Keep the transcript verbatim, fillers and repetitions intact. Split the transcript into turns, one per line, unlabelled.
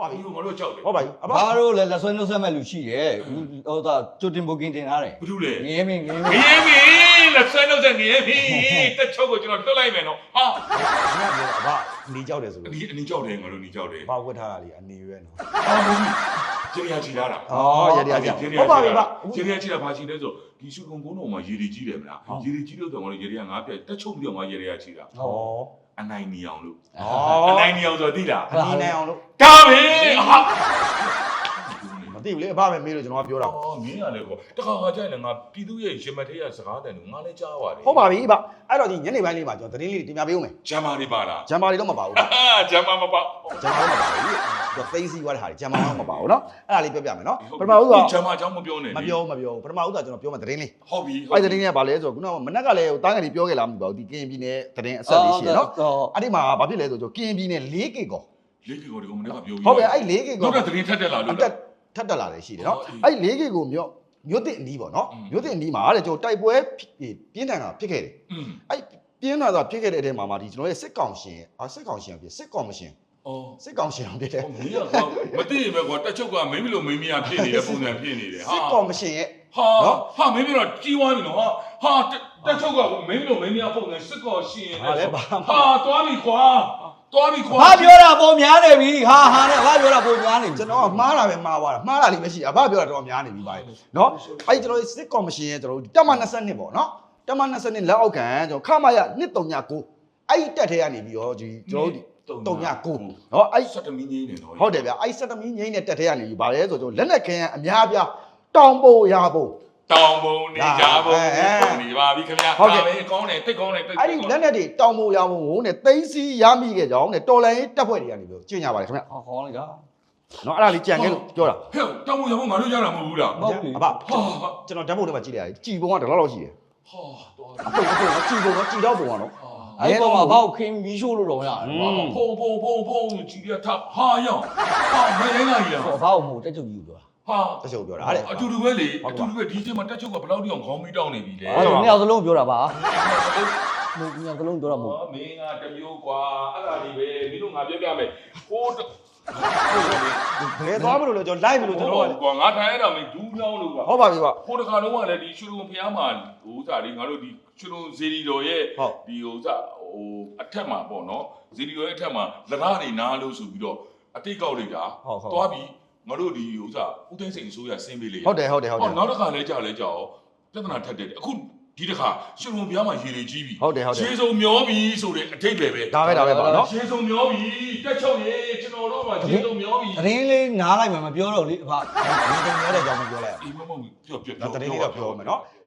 ပါပြီငါတို့ကြောက်တယ်
ဟုတ်ပါပြီအဘ
ဘာလို့လဲလက်ဆွဲနှုတ်ဆက်မဲ့လူရှိတယ်ဟိုသာကြိုတင်ဘုတ်ကင်တင်ထားတယ်
ဘာလို့လဲ
ငရဲမင်းငရဲမ
င
င်း
ရဲမင်းလက်ဆွဲနှုတ်ဆက်ငရဲမင်းတက်ချုပ်ကိုကျွန်တော်လွတ်လိုက်မယ်နော်ဟာ
ငါပြောအဘနေကြောက်တယ်ဆို
အ
လို့
နီအနီကြောက်တယ်ငါတို့နီကြောက်တယ်
ဘာဝတ်ထားတာလေအနေရွယ်နော်
ဟာမဟုတ်ဘူးကျေရချီလာတာ
အော်ရရရဟုတ်ပါပြီဗျ
ကျေရချီလာဘာချီလဲဆိုဒီရှုကုံကုန်းတော်မှာရေရီကြီးတယ်မလားရေရီကြီးလို့တော့ငါတို့ရေရီကငါပြတက်ချုပ်ပြီးတော့ငါရေရီကချီတာ
ဟော
အနိုင်နေအောင်လို့
ဩ
အနိုင်နေအောင်ဆိုသိလား
အနီနိုင်အောင်လို့
ဒါပဲဟာ
မသိဘူးလေအဘပဲမေးလို့ကျွန်တော်ကပြောတာ
အော်မင်းရလေကောတခါခါကျရင်ငါပြည်သူရဲ့ရင်မထေးရစကားတယ်ငါလည်းကြားပါတယ်
ဟုတ်ပါပြီဗျအဲ့တော့ဒီညနေပိုင်းလေးမှာကျွန်တော်သတင်းလေးတင်ပြပေးဦးမယ်
ဂျမ်မာတွေပါလား
ဂျမ်ပါလေးတော့မပါဘူးဗျ
အာဂျမ်မာမပါ
ဂျမ်ပါတော့မပါဘူးတော့သိစီသွားတဲ့ဟာတွေဂျမ်ပါတော့မပါဘူးเนาะအဲ့ဒါလေးပြောပြမယ်เนาะပထမဦးက
ဂျမ်မာကြောင်းမပြောနဲ့
မပြောမပြောပထမဦးကကျွန်တော်ပြောမှသတင်းလေး
ဟုတ်ပြီ
အဲ့သတင်းလေးကဘာလဲဆိုတော့ခုနကမနက်ကလည်းတားငယ်လေးပြောခဲ့လားမသိပါဘူးဒီကရင်ပြည်နယ်သတင်းအဆက်လေးရှိရเนาะအဲ့ဒီမှာဘာဖြစ်လဲဆိုတော့ကရင်ပြည်နယ်၄ကီကော
လေးကီကိုဒီကောင်မနေ့ကပြောပြီး
ဟုတ်ပြီအဲ့၄ကီကော
တော့တဲ့သတင်းထက်တက်လာလို့
အတက်ထပ်တက်လာတယ်ရှိတယ်เนาะအဲ့၄ကီကိုမြို့မြို့တစ်အနီးပေါ့เนาะမြို့တစ်အနီးမှာတဲ့ကျွန်တော်တိုက်ပွဲပြင်းထန်တာဖြစ်ခဲ့တယ်
อืม
အဲ့ပြင်းထန်တာဖြစ်ခဲ့တဲ့အထဲမှာမှာဒီကျွန်တော်ရဲ့စစ်ကောင်ရှင်အာစစ်ကောင်ရှင်ဖြစ်စစ်ကော်မရှင်
အော်
စစ်ကောင်ရှင်ဖြစ်တယ်
မင်းကမသိရင်ပဲကွာတက်ချုပ်ကမင်းမလို့မင်းမရဖြစ်နေတဲ့ပုံစံဖြစ်နေတယ်ဟာ
စစ်ကော်မရှင်ရဲ့
ဟာဟာမင်းပြောတော့ကြီးွားပြီနော်ဟာဟာတက်ချုပ်ကမင်းမလို့မင်းမရပုံစံစစ်ကောရှင်နေ
ဟာလဲဘာမှ
ဟာတွားပြီခွာတွားပြီခွာ
ဘာပြောတာပုံများနေပြီဟာဟာနဲ့ဘာပြောတာပုံများနေပြီ
ကျွန်တော်ကမှားတာပဲမှားသွားတာမှားတာလေးပဲရှိအဘပြောတာတော့များနေပြီပါเนาะအဲ့ကျွန်တော်စစ်ကော်မရှင်ရဲ့ကျွန်တော်တက်မ၂၂ပေါ့เนาะတက်မ၂၂လက်အောက်ခံကျွန်တော်ခမရ၂၃ညကိုအဲ့တက်ထဲကနေပြီးတော့ဒီကျွန်တော်၃ညကိုเนาะအဲ့
စက်တမီးငင်းနေတော့
ဟုတ်တယ်ဗျအဲ့စက်တမီငိမ့်တဲ့တက်ထဲကနေပြီးဗာလဲဆိုကျွန်တော်လက်နဲ့ခင်းအများပြတောင်ပိုရဖို့
တောင်ပုံနေကြပုံနေပါပြီခင်ဗျာဒါပဲကောင်းတယ်တိတ်ကောင်းတယ်တိတ်
အဲ့ဒီလက်နဲ့တွေတောင်ပိုရဖို့ဝုန်းနဲ့သိန်းစီရမိခဲ့ကြအောင်နဲ့တော်လိုင်းတက်ဖွဲ့တွေကနေပြီးကျင့်ကြပါတယ်ခင်ဗျ
ဟောခေါင်းလိုက်တာ
နော်အဲ့ဒါလေးကြံခဲ့လို့ပြောတာ
ဟဲ့တောင်ပုံရဖို့ငါတို့ရတာမဟုတ်ဘူးလား
ဟုတ်ပြီ
အဘကျွန်တော်ဓာတ်ပုံထဲမှာကြည့်လိုက်ရတယ်ကြည်ပုံကတလောက်လောက်ရှိတယ်
ဟာတော့
အပုတ်အပုတ်ကကြည်ပုံကကြည်တော့ပုံကတော့
အဲ့ပေါ်မှာဘာကိုခင်းမီးရှို့လို့တော့ရတယ်
ဖုံဖုံဖုံဖုံကြည်ရထဟာရောဟာမရင်းလာကြီးလား
ဟောဘာကိုမို့တက်ချုပ်ကြီးပြောတာ
ဟာ
တချို့ပြောတာအဲ့
အတူတူပဲလေအတူတူပဲဒီချိန်မှာတက်ချုပ်ကဘယ်လောက်တိအောင်ခေါင်းမီးတောင်းနေပြီလဲ
အဲ့တော့နှစ်ယောက်စလုံးပြောတာပါမို့နှစ်ယောက်စလုံးပြောတာမို့
မင်းကတမျိုးကွာအဲ့ဒါလေးပဲမင်းတို့ငါပြောပြမယ်ဟိုး
ဘယ်သွားမလို့လဲကျွန်တော်လိုက်မလို့ကျွန်တော်က
ကွာငါထိုင်ရတာမင်းဒူးညောင်းလို့ကွာ
ဟုတ်ပါပြီကွာ
ဟိုတခါလုံးကလည်းဒီရွှေလုံဖျားမှာဟိုဥစားလေးငါတို့ဒီရွှေလုံဇေဒီတော်ရဲ့ဒီဟိုဥစားဟိုအထက်မှာပေါ့နော်ဇေဒီတော်ရဲ့အထက်မှာလရနေနားလို့ဆိုပြီးတော့အတိတ်ကောက်လိုက်တာသွားပြီးငါတို့ဒီဥစားဦးသိန်းစိန်အစိုးရဆင်းပေးလေ
ဟုတ်တယ်ဟုတ်တယ်ဟုတ်တယ်
နောက်တစ်ခါလဲကြာလဲကြာရောပြဿနာထပ်တယ်အခုဒီတစ်ခါရွှေလုံဖျားမှာရေလေကြီးပြီ
ဟုတ်တယ်ဟုတ်တယ်
ရေစုံမျောပြီဆိုတဲ့အထိတ်ပဲပဲ
ဒါပဲဒါပဲပါနော်
ရေစုံမျောပြီတက်ချုပ်ရေကျွန်တော်တို့ကရေစုံမျောပြီ
သတင်းလေးနားလိုက်မှမပြောတော့လေအဖ
ဒီတုံရတဲ့အကြောင်းမပြောလိုက်
အေးမမဟုတ်ပြောပြော
ဘူးတရင်လေးတော့ပြောမယ်နော်